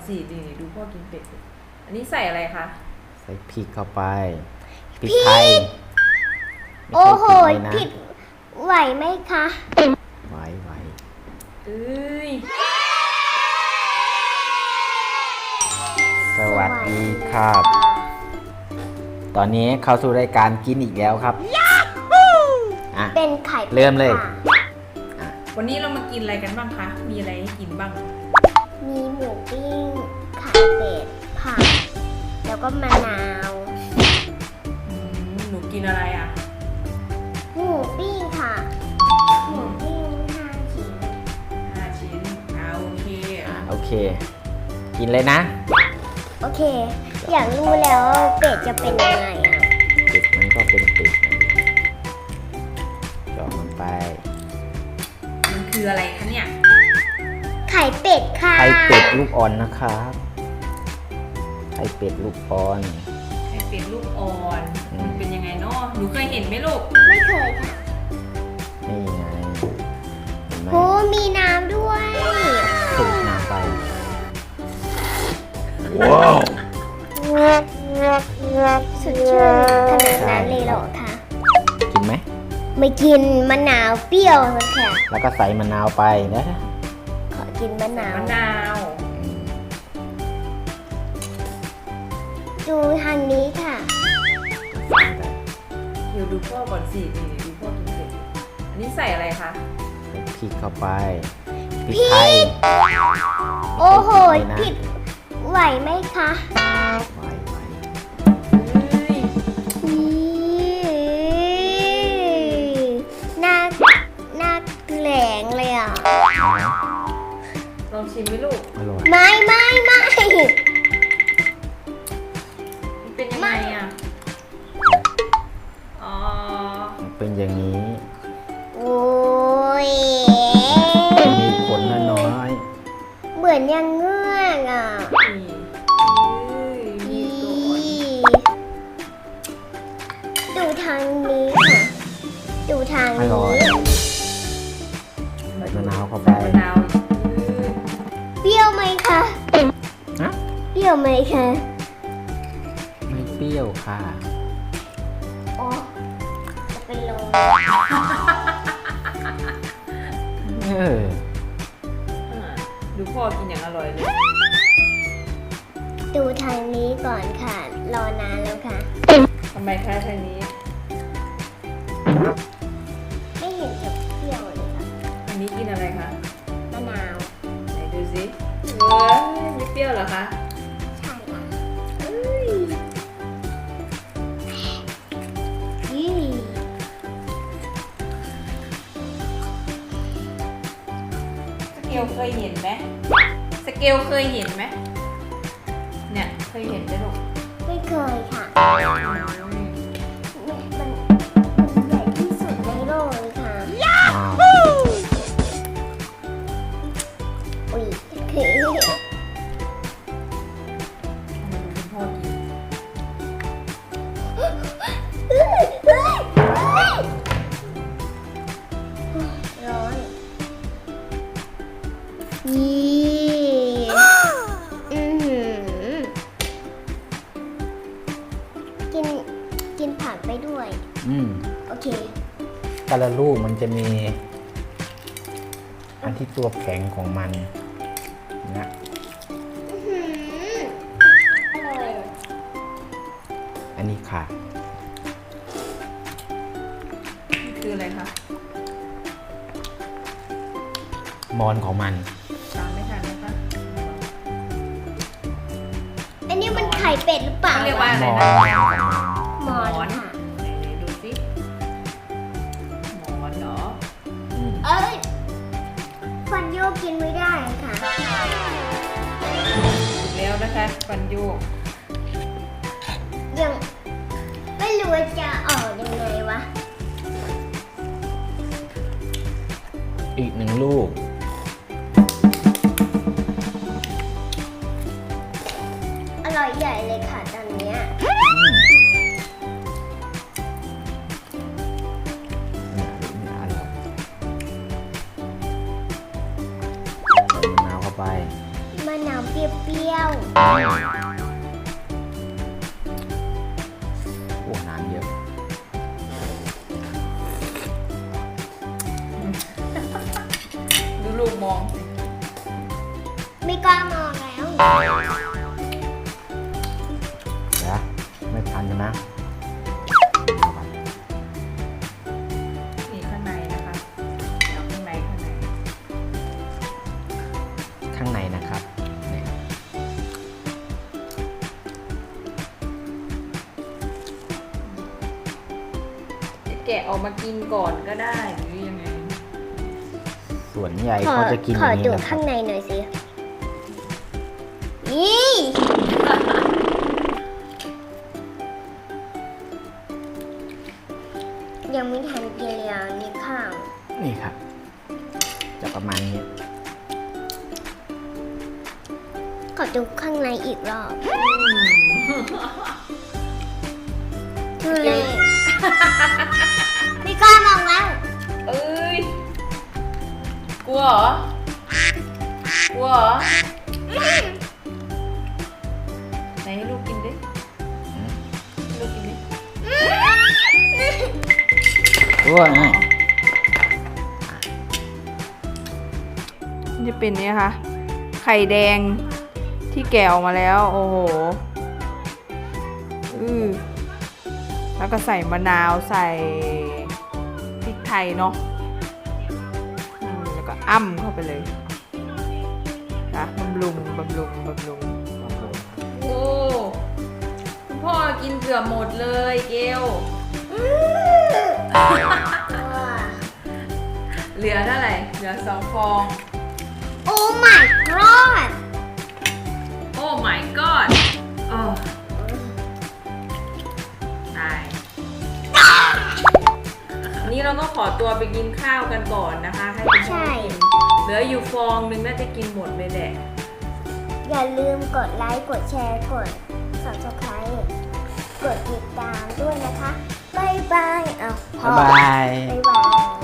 สินี่ดูพ่อกินเป็ดดิอันนี้ใส่อะไรคะใส่พริกเข้าไปพริกไทยไม่โอ้โหใช่พริกเลยนะผิดไหวไหมคะไหวเอ้ยสวัสดีครับ ตอนนี้เข้าสู่รายการกินอีกแล้วครับอ่ะเป็นไข่เป็ดเริ่มเลยค่ะวันนี้เรามากินอะไรกันบ้างคะมีอะไรให้กินบ้างมีหมูปิ้งไข่เป็ดผักแล้วก็มะนาวหนูกินอะไรอ่ะหมูปิ้งค่ะหมูปิ้ง5 ชิ้น 5 ชิ้นโอเคโอเค กินเลยนะโอเค อยากรู้แล้วว่าเป็ดจะเป็นยังไงอ่ะเป็ดมันก็เป็นเป็ดนะเจาะมันไปมันคืออะไรคะเนี่ยไข่เป็ดค่ะไข่เป็ดลูกอ่อนนะครับไข่เป็ดลูกอ่อนไข่เป็ดลูกอ่อนอืมมันเป็นยังไงเนาะหนูเคยเห็นไหมลูกไม่เคยค่ะนี่ไงเห็นไหมโอ้มีน้ำด้วยสูบน้ำไปว้าวสุดชื่นขนาดนั้นเลยเหรอคะกินไหมไม่กินมะนาวเปรี้ยวเลยค่ะแล้วก็ใส่มะนาวไปนะขอกินมะนาวมะนาวอืมดูทางนี้ค่ะเดี๋ยวดูพ่อก่อนสินี่ดูพ่อกินเป็ดอันนี้ใส่อะไรคะใส่พริกเข้าไปพริกไทยโอ้โหไม่ใช่พผิริดกเลยนะไหวไหมคะไหวเฮ้ยหน้าแหลงเลยอ่ะลองชิมไหมลูกอร่อยไม่มันเป็นยังไงอ่ะอ๋อมันเป็นอย่างนี้โอ้ยมีขนน้อยเหมือนยังเงือกอ่ะนี่เฮ้ยมีตัวอ่อนดูทางนี้ค่ะ ดูทางๆอนี้ร่อยใส่มะนาวเข้าไปมะนาวเฮ้ยเปรี้ยวไหมคะฮะเปรี้ยวไหมคะไม่เปรี้ยวค่ะอ๋อจะเป็นลมเออดูพ่อกินอย่างอร่อยเลยดูทางนี้ก่อนค่ะ รอนานแล้วค่ะทำไมคะทางนี้ไม่เห็นจะเปรี้ยวเลยค่ะอันนี้กินอะไรคะมะนาวไหนดูสิเว้ยไม่เปรี้ยวเหรอคะใช่ค่ะเอ้ยยี่สเกลเคยเห็นไหมสเกลเคยเห็นไหมเนี่ยเคยเห็นไหมลูกไม่เคยค่ะมันใหญ่ที่สุดในโลกเลยค่ะอ้าวอุ้ยคือมาดูคุณพ่อกินร้อนยี่กินผักไปด้วยอืมโอเคแต่ละลูกมันจะมี อันที่ตัวแข็งของมันนะอร่อยอันนี้ค่ะนี่คืออะไรคะมอนของมันตามไม่ทันนะคะอันนี้มันไข่เป็ดหรือเปล่าเขาเรียกว่าอะไรมนะอนของมันหมอนค่ะไหนดูสิหมอนเหรออืมเอ้ยฟันโยกกินไม่ได้ค่ะถูกแล้วนะคะฟันโยกยังไม่รู้ว่าจะออกยังไงวะอีกหนึ่งลูกอร่อยใหญ่เลยค่ะตอนเนี้ยอืมเนี่ยอร่อยใส่มะนาวเข้าไปมะนาวเปรี้ยวเปรี้ยวโอ้น้ำเยอะดูลูกมองสิๆไม่กล้ามองแล้วเดี๋ยวไม่ทันใช่ไหมนี่ข้างในนะคะเดี๋ยวข้างในข้างในนะครับนี่จะแกะออกมากินก่อนก็ได้หรือยังไงส่วนใหญ่ขอเขาจะกินอขอย่างนี้ดูนะครัข้าบงในหน่อยสิอียังไม่ทันกินเลยนี่ข้าวนี่ครับ จะประมาณนี้ขอดูข้างในอีกรอบทุเรศไม่กล้ามองแล้วเอ้ย กลัวเหรอ กลัวเหรอ ไหนให้ลูกกินดิอืมให้ลูกกินดิโอ้ยนี่จะเป็นเนี่ยค่ะ ไข่แดงที่แกะออกมาแล้ว โอ้โห แล้วก็ใส่มะนาวใส่พริกไทยเนาะแล้วก็อ้ำเข้าไปเลยนะบำรุงโอ้คุณพ่อกินเกือบหมดเลยเกล เหลือเท่าไหร่ เหลือ2 ฟองโอ้ my god โอ้ my god โอ้ตายนี่เราก็ขอตัวไปกินข้าวกันก่อนนะคะ ให้คุณพ่อกิน เหลืออยู่ฟองนึงน่าจะกินหมดเลยแหละอย่าลืมกดไลค์ กดแชร์ กด subscribe กดติดตามด้วยนะคะ บ๊ายบายอ้าวพ่อบ๊ายบายบ๊ายบาย